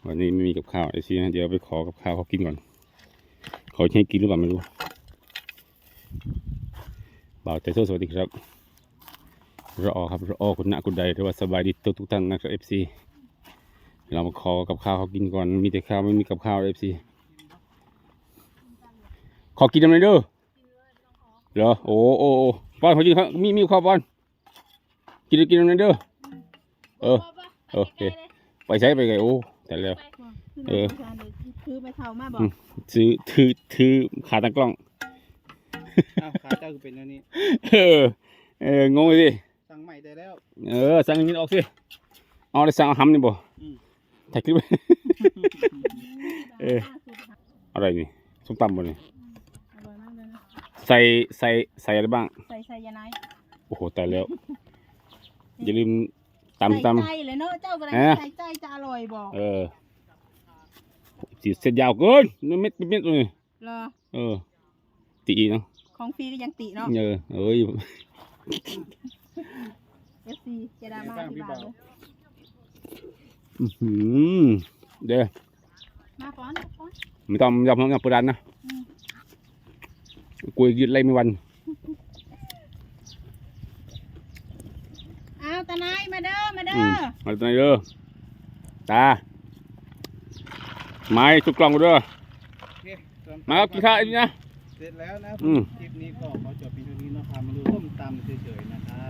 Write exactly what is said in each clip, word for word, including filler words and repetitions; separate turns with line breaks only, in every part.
วันนี้ไม่มีกับข้าวไอซีนะเดี๋ยวไปขอกับข้าวเขากินก่อนขอให้กินหรือเปล่าไม่รู้บ่าวใจโซ่สวัสดีครับรอครับรอคุณณคุณใดหรือว่าสบายดีทุกทุกท่านนะครับเอฟซีเรามาขอกับข้าวเขากินก่อนมีแต่ข้าวไม่มีกับข้าวเอฟซีขอกินอะไรเด้อเหรอโอ้โอ้ป้อนขอกินครับมีมีข้าวป้อนกินกินอะไรเด้อเออโอเคไปใช้ไปไงโอ้แต่แล้วเออ
ถือไปเท่ามาบอก
ซื้อถือถือขาตั้งกล้อง
อ้าวขาเจ้าคือเป็นอย่างนี้
เออเอองงสิ
สั่งใหม่ได้แล้ว
เออสั่งอย่างนี้ออกสิเอาได้สั่งเอาหำนี่บ่ถ่ายคลิปไว้เอออะไรนี่ส้มตำบ่นี่ใส่ใส่ใส่อะไรบ้าง
ใส่ใส่ยาไน
โอ้โหตายแล้วอย่าลืมตำตำ
ใส่เลยเนาะเจ้าอะไรใส่ใจจะอร่อยบอก
เออสีเส้นยาวเกินเม็ดเม็ดเลย
เหรอ
เออตีเนาะ
ของฟรีก็ยังตีเนาะ
เออเอ้ย
เอฟซีเจดามาที่บ้านเลย
อืมเดี๋ยว
มาป้อนป้อน
ไม่ต้องยอมยอมเปิดร้านนะกูยืดไล่ไม่วัน
อ้าวตาไนมาเด้อมาเด้อ
มาตาไนเด้อตาไม้ทุกกล่องกูเด้อมาเอากินข้าวอีกนะ
เสร็จแล้วนะคลิปนี้ก็ขอจบเพียงเท่านี้นะครับมาดูส้มตำเฉยๆนะครับ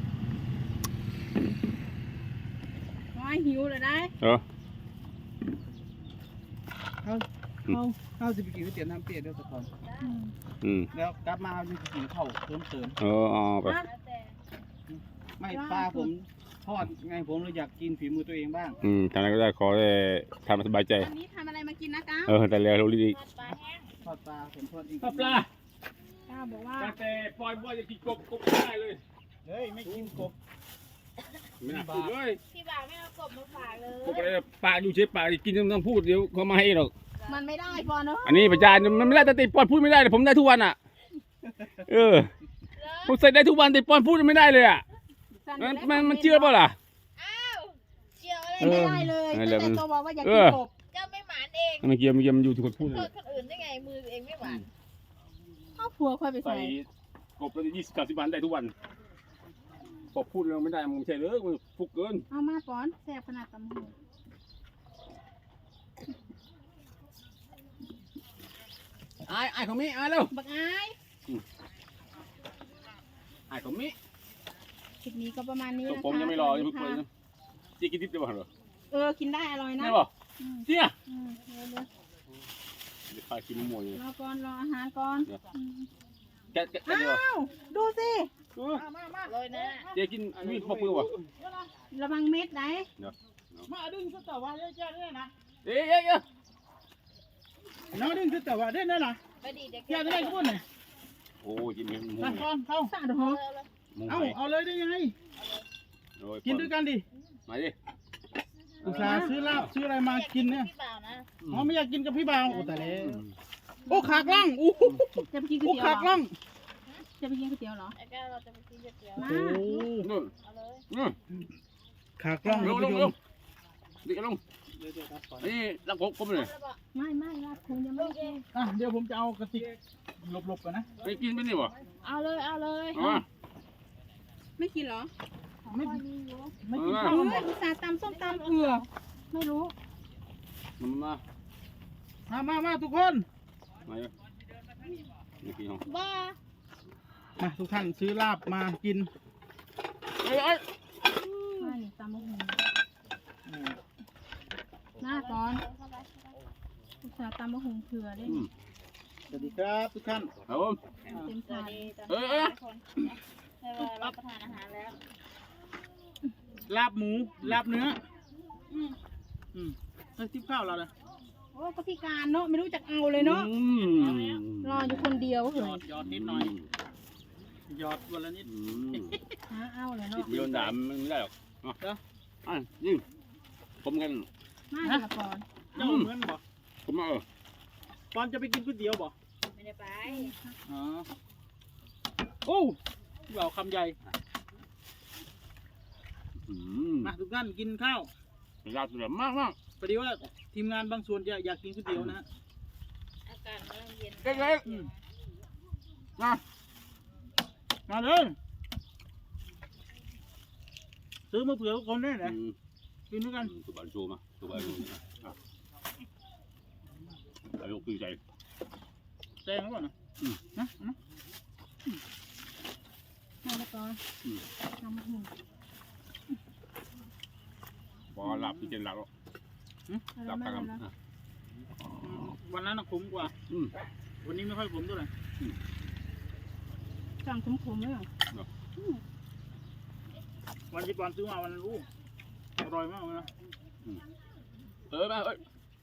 น้อยหิวเลยได้
เออ
เขาเขาเขาจะไปกินก๋วยเตี๋ยวน้ำเปรี้ยวด้วยสักคนแล้วกลับมาเอาจะกินข้าวเติมเติม
เออเอาไป
ไม่ปลาผมทอดไงผมเลยอยากกินฝีมือตัวเองบ้าง
อืมทำอะไรก็ได้ขอได้ทำสบายใจ
อันนี้ทำอะไรมากินนะก้า
เออแต่แล้วเราดี
ทอดปลาผมทอดเอง
ทอดปลา
ก้าบอกว่า
แต่ปล่อยบ่อยจะกินกบกบไม่ได้เลย
เฮ้ยไม่กินกบ
ไม่น่าพูดเลย
พี่บ่าวไม่เอากบมาฝากเลย
กบอะไรปลาอยู่เฉยปลากินต้องพูดเดี๋ยวเขามาให้หรอก
มันไม่ได้ปอนเนาะ
อันนี้ประจานมันไม่ได้แต่ติปอนพูดไม่ได้ผมได้ทุกวันอ่ะเออผมใส่ได้ทุกวันแต่ปอนพูดไม่ได้เลยอ่ะมันมันมันเชื่อเปล่าล่ะ
อ้าวเชื่ออะไรไม่ได้เลยแต่ตัวบอกว่าอยากกินกบเจ้าไม่หมานเอง
มันเกี่ยวมันเกี่ยวมันอยู่ที่คนพูดเลย
คนอื่นได้ไงมือเองไม่หวานครอบครัวค่อยไปใส่
กบละยี่สิบสามสิบวันได้ทุกวันพอพูดเราไม่ได้มึงใช่เลยมึงฟุกเกิน
เอามาป้อนแซ่บขนาดตำหู
ไอ้ไอ้ของมิไอ้เร็ว
บักไอ้
ไอ้ของมิ
คลิปนี้ก็ประมาณนี้นะคะ
ผมยังไม่รอยังเพิ่งเปิดนะจีกินดิบได้ป่ะเหรอ
เออกินได้อร่อยนะ
ได้ป่ะเจี๊ยบ
เดี๋ยว
ข้ากินมวย
รอก่อนรออาหารก่อน
แกะแกะ
อ้าวดูสิ
มามาเลยนะ
เจ๊กินมีพวกมือวะ
ระวังเม็ดไหน
มาดึงสตอว่าเจ้าเนี่ยนะ
เอ๊ะเอ๊ะเอ๊ะ
น้องดึงสตอว่าได้แน่นะอยากได้ก็พูดหน่อย
โอ้ยกินเม็ดมู
เข้าเข้า
สะดวก
เอาเอาเลยได้ยังไงกินด้วยกันดิ
มาดิ
อุตส่าห์ซื้อลาบซื้ออะไรมากินเนี่ยอ๋อไม่อยากกินกับพี่บ่าวโอ้แต่เล่โอ้ขากล่องอู้
จะไปกินก๋วยเตี๋ยว
ขากล่อง
จะไปกินก๋วยเตี๋ยวเหรอไอ้แก้วเราจะไปกินก๋วยเตี๋ยวมา
นู่นเอาเลย
ขากล่อง
ลงลงลงดิลงนี่ลำกบกบเลย
ไม่ไม่ลาบคงยังไม่กิน
อ่ะเดี๋ยวผมจะเอากระติกหลบๆกันนะ
ไปกินไปนี่วะ
เอาเลยเอาเลยไม่กินเหรอ
ไม่ไม่กิน
ข้าวเลยอุตส่าห์ตำส้มตำเผื่อไม่รู้
มา
มามามาทุกคน
มาเลยนี่กินห้อง
บ้า
มาทุกท่านซื้อลาบมากิน
เอ้ยเอ้ย
มาหนิตำมะฮุงหน้าก่อนอุตส่าห์ตำมะฮุงเผื่อได้
สวัสดีครับทุกท่าน
ครับผม
เต็มถาด
เอ้ยเอ้ย
ให้ว่ารับประทานอาหารแล้ว
ลาบหมูลาบเนื้ออืมอืมแล้วทิพข้าวเราเลย
โอ้ก็พิการเนาะไม่รู้จักเอาเลยเนาะรออยู่คนเดียวเหร
อยอดนิดหน่อยยอดวันละนิด
หาเอาเลยเนาะ
โยนด่ามันไม่ได้หรอกเนาะอ่ะนี่ผมกัน
มาเดี๋ยวปอน
เจ้าเหมือนบ่
ผมมาเออ
ปอนจะไปกินก๋วยเตี๋ยวบ่
ไม่ได้ไป
อ๋อโอ้เราคำใหญ่มาทุกท่านกินข้าว
ยาวสุดมากมาก
พอดีว่าทีมงานบางส่วนจะอยากกินก๋วยเตี๋ยวนะฮะ
อากาศกำลังเย็น
เล็ก
อืมมามาเลย ซื้อมาเผื่อทุกคนได้
ๆ
นะ
อืม
กินด้วยกัน
สุบานโชว์มาสุบานโชว์อ่ะอายุคือใจ
แซงแล้วก่อนนะ
อืม
นะนะ
มาแล้วก่อน
อืม
ทำหุ่น
พอหลับที่เจนหลับแล้วหลับ
มา
ทาง
แล้ว
อ่ะ
อืมวันนั้นน่ะขมกว่า
อืม
วันนี้ไม่ค่อยขมเท่าไหร่
สั่งขมๆเลยเหรอ
วันที่ปอนซื้อมาวันนั้นรู้อร่อยมากเลยนะ
เออมาเอ้ย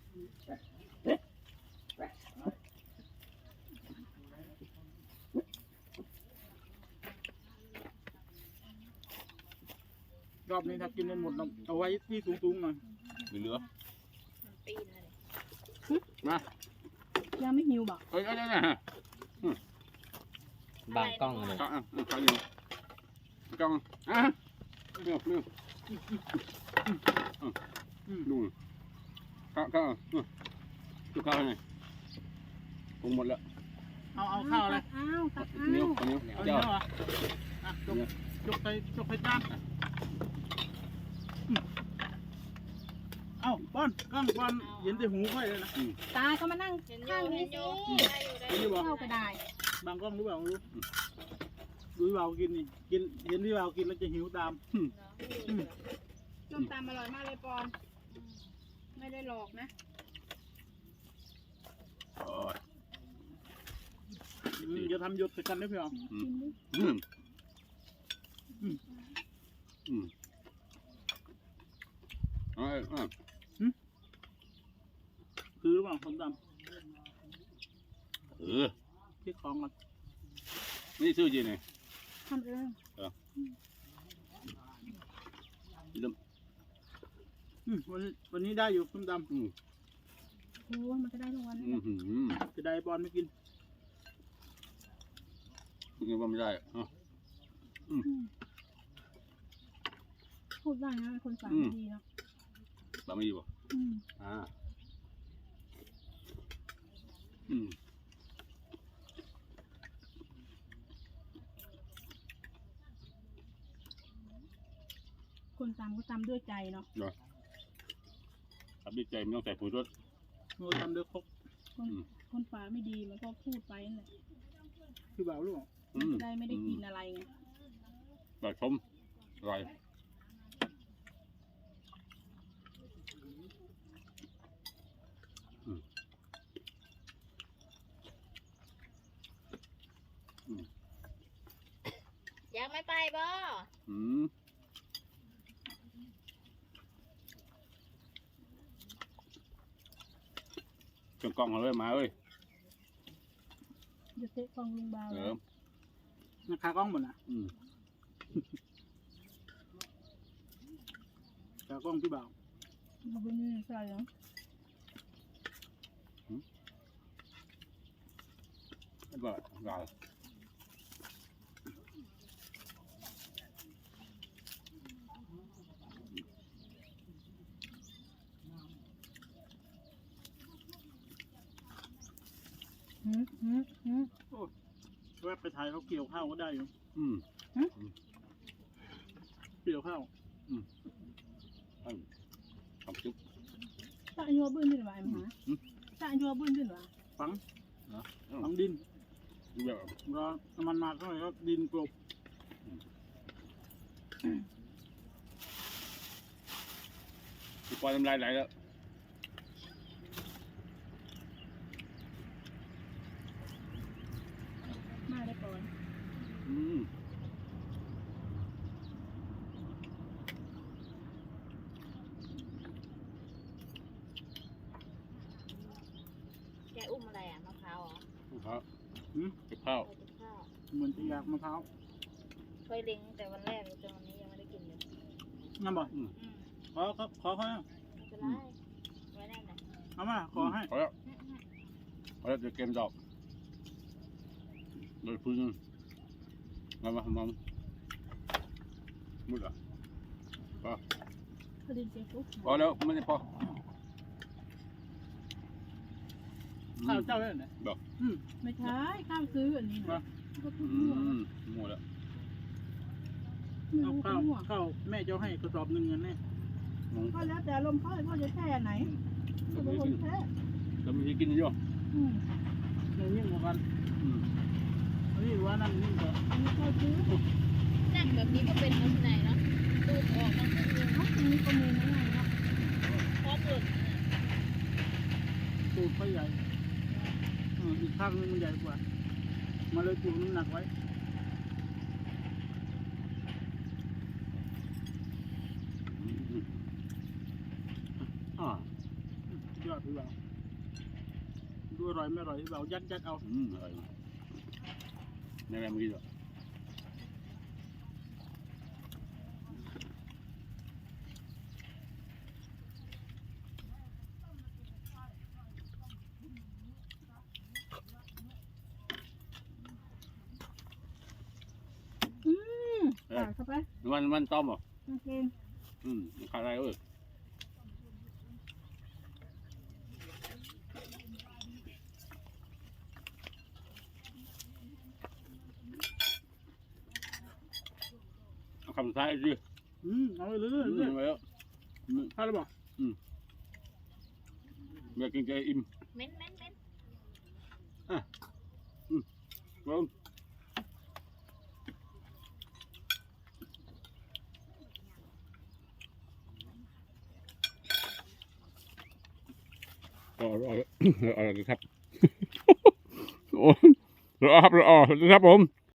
รอบนี้ถ้ากินได้หมดเราเอาไว้ที่สูงๆหน่อย
เหลือ
ปีนเลย
มา
ยังไม่หิวบอก
เอ้ยเอ้ยเอ้ย
บางกล้องเลย
ข้าวอ่ะข้าวอยู่กล้องอ่ะเนื้อเนื้อ
อืม
นู่นข้าวข้าวดูข้าวให้ปรุงหมดแล้ว
เอาเอาข้าวอะไร
อ้าวตักอ้า
เหนียว
ว
เหนียว
เอา
เจ้า
เนื้อเหรออ่ะยกยกไปยกไปจานอืมเอาป้อนกล้องป้อนเห็นแต่หูค่อยเลยนะ
ตาก็มานั่งข้างนี้สิ
เห็นหรือเปล่า
เข้าก็ได้
บางกล้องหรือเปล่าไม่รู้ดูพี่บ่าวกินนี่กินเห็นพี่บ่าวกินแล้วจะหิวตามอืม
ส้มตำอร่อยมากเลยปอน ไม่ได้หลอกนะ
โอ้ย
อืมอย่าทำหยดใส่กันนะพี่บ่าว
อืมอืมอืมอืมเอ้ยอ่ะ
คือหรือเปล่าส้มต
เออ
ำที่ของกัน
นี่ชื่อจริงไง
ทำเอง
ลืม
อืมวันวันนี้ได้อยู่ส้มต
อืม
โอ้มันก็ได้ทุกวัน
อืมอืม
ำจะได้บอลไม่กิน
กินว่าไม่ได้อ่ะ
พูดได้นะคนสามดีเนาะ
บะหมี่บ่
อืม
อ่าอืม
คนตำก็ตำด้วยใจเนาะ
ทำด้วยใจไม่ต้องใส่ผงชูรส
โน้ตทำเดือครก
คนคนฝาไม่ดีมันก็พูดไปนั่นแหละ
พี่บ่าวรู้เปล่า
อื
มัน
ม
จะได้ไม่ได้กินอะไรไง
แบบชมอร่อยอืมอืม
อยากไม่ไปบ่
อืมเครื่องกล้องเอาเลยมาเอ้ย
เดี๋ยวเตะกองลุงบาว
เอ
แล้ว
อ
นะคากล้องหมดนะ
อืม
คากล้องพี่บ่าว
มันเป็นนี่ใช่เหรอ
แล้วก็รอ
หืมหืมหืม
แวะไปถ่ายเขาเกี่ยวข้าวก็ได้อยู่
อืม
เกี่ยวข้าว
อืมทำซุป
ตาอันยัวบื้นขึ้นหรอไอ้หมาตาอันยัวบื้นขึ้นหรอ
ฝัง
เนาะ
ฝังดิน
ดูแบบ
รอน้ำมันมาเท่าไหร่ก็ดินกลบ
ปล่อยน้ำลายไหลแล้ว
มาได้ก่อน
อืม
แกอุ้มอะไรอ่ะมะพร้าวเหรอ
ครับ
หืม
เก็บข้าว
ไปกินข้าว
เหมือนจะอยากมะพร้าว
เคยเล็งแต่วันแรกจนวันนี้ยังไม่ได้กินเลย
งั้นบอก
อืม
อืม
ขอครับขอเขานะ
ไม่เป็นไรไว้ได้ไหน
เอามาขอให้
พอแล้วพอแล้วเดี๋ยวเกมดอกโดยพื้นมามามามุดอ่ะพอ
พอดีเจ๊ปุ๊บ
พอแล้วไม่ได้พอ
ข้าวเจ้าได้ไหน
บอก
อืม
ไม่ใช่ข้าวซื้ออันนี้นะก็พูด
อื
มั่ว
มหมดแล้ว
ไม่
เอา
รู้
ข้าว
มั่ว
ข้าวแม่เจ้าให้กระสอบหนึ่งเงินแน่
ก็แล้วแต่ลมเขาเขาจะแช่ไหนก็เป็นคนแช่
แล้วมีกินเยอะ
อืม
หนึ่งยิ่งกว่ากัน
อืม
อันนี้ว่านั่นยิ่งกว่า
อันนี้ข้าวซื้อ
นั่งแบบนี้ก็เป็นลักษณะเนาะตูดออกมาก็คือ
เอ้าอันนี้ก็มีนะไงเนาะ
พร้อมหลุด
ตูดไฟใหญ่เอออีกข้างนึงมันใหญ่กว่า มาเลยจูงน้ำหนักไว้
อ่าย
อดพี่บ่าวดูอร่อยไม่อร่อยพี่บ่าวยัดยัดเอา
อืมอร่อยแม่แม่ไม่กินหรอก
อืมใส่เข้าไป
มันมันต้มเหรอ
โอเค
อืมขาดอะไรเอ้ยเอาคำท้ายดิ
อืมเอาไปเลย
อืม
เลย
ไปแล้วอืม
ถ้าเราบอก
อยากกินใจอิ่ม
เม้นเม้นเม้น
ลงอร่อยอร่อยครับ โอ้รอครับรอครับผม